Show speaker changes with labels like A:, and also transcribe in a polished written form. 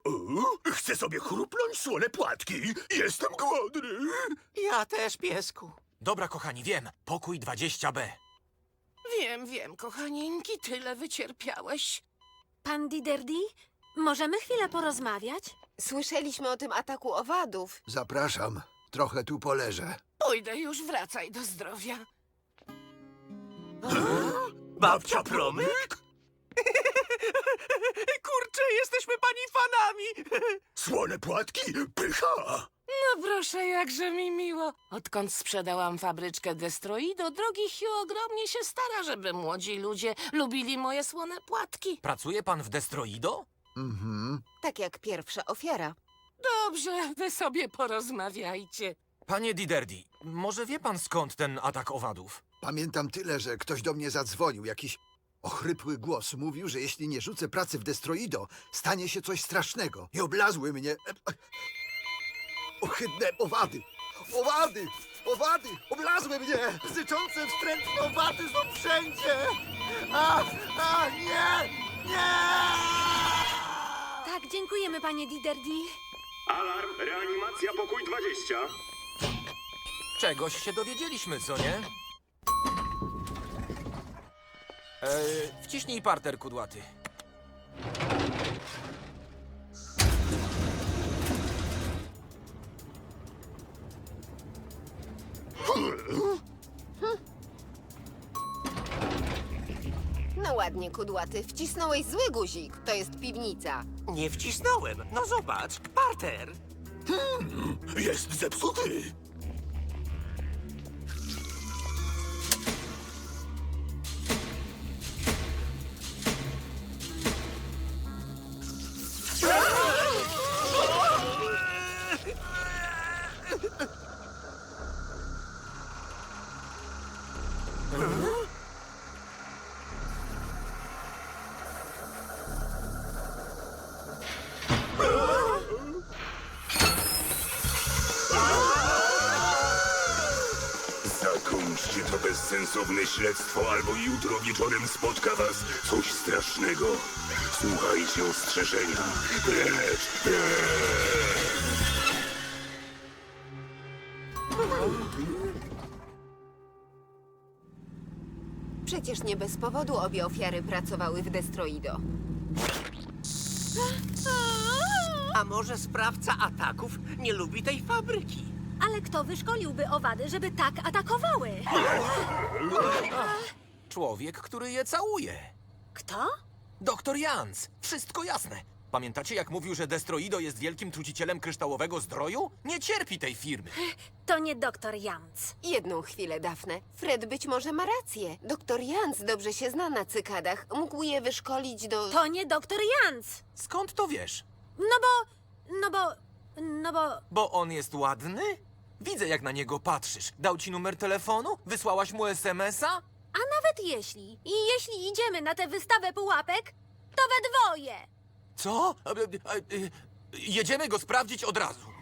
A: Chcę sobie chrupnąć słone płatki. Jestem głodny.
B: Ja też, piesku.
C: Dobra, kochani, wiem. Pokój 20B.
D: Wiem, kochanieńki, tyle wycierpiałeś.
E: Pan Diderdi, możemy chwilę porozmawiać?
F: Słyszeliśmy o tym ataku owadów.
G: Zapraszam. Trochę tu poleżę.
D: Pójdę już, wracaj do zdrowia.
B: Babcia Promyk? Kurczę, jesteśmy pani fanami.
A: Słone płatki? Pycha!
D: No proszę, jakże mi miło. Odkąd sprzedałam fabryczkę Destroido, drogi Hugh ogromnie się stara, żeby młodzi ludzie lubili moje słone płatki.
C: Pracuje pan w Destroido?
F: Tak jak pierwsza ofiara.
D: Dobrze, wy sobie porozmawiajcie.
C: Panie Diderdi, może wie pan skąd ten atak owadów?
G: Pamiętam tyle, że ktoś do mnie zadzwonił. Jakiś ochrypły głos mówił, że jeśli nie rzucę pracy w Destroido, stanie się coś strasznego. I oblazły mnie... ohydne owady! Owady! Owady! Oblazły mnie! Syczące, wstrętne owady są wszędzie! Nie! Nie!
E: Tak, dziękujemy, panie Diderdi.
H: Alarm, reanimacja, pokój 20.
C: Czegoś się dowiedzieliśmy, co nie? Wciśnij parter, kudłaty.
F: No ładnie, kudłaty. Wcisnąłeś zły guzik. To jest piwnica.
B: Nie wcisnąłem. No zobacz, parter.
A: Jest zepsuty.
H: Zakończcie to bezsensowne śledztwo, albo jutro wieczorem spotka was coś strasznego. Słuchajcie ostrzeżenia. Precz, precz!
F: Przecież nie bez powodu obie ofiary pracowały w Destroido.
B: A może sprawca ataków nie lubi tej fabryki?
E: Ale kto wyszkoliłby owady, żeby tak atakowały?
C: Człowiek, który je całuje.
E: Kto?
C: Doktor Jans. Wszystko jasne. Pamiętacie, jak mówił, że Destroido jest wielkim trucicielem kryształowego zdroju? Nie cierpi tej firmy.
E: To nie doktor Jans.
F: Jedną chwilę, Dafne. Fred być może ma rację. Doktor Jans dobrze się zna na cykadach. Mógł je wyszkolić do...
E: To nie doktor Jans.
C: Skąd to wiesz?
E: No bo...
C: Bo on jest ładny? Widzę, jak na niego patrzysz. Dał ci numer telefonu? Wysłałaś mu SMS-a?
E: A nawet jeśli idziemy na tę wystawę pułapek, to we dwoje.
C: Co? Jedziemy go sprawdzić od razu.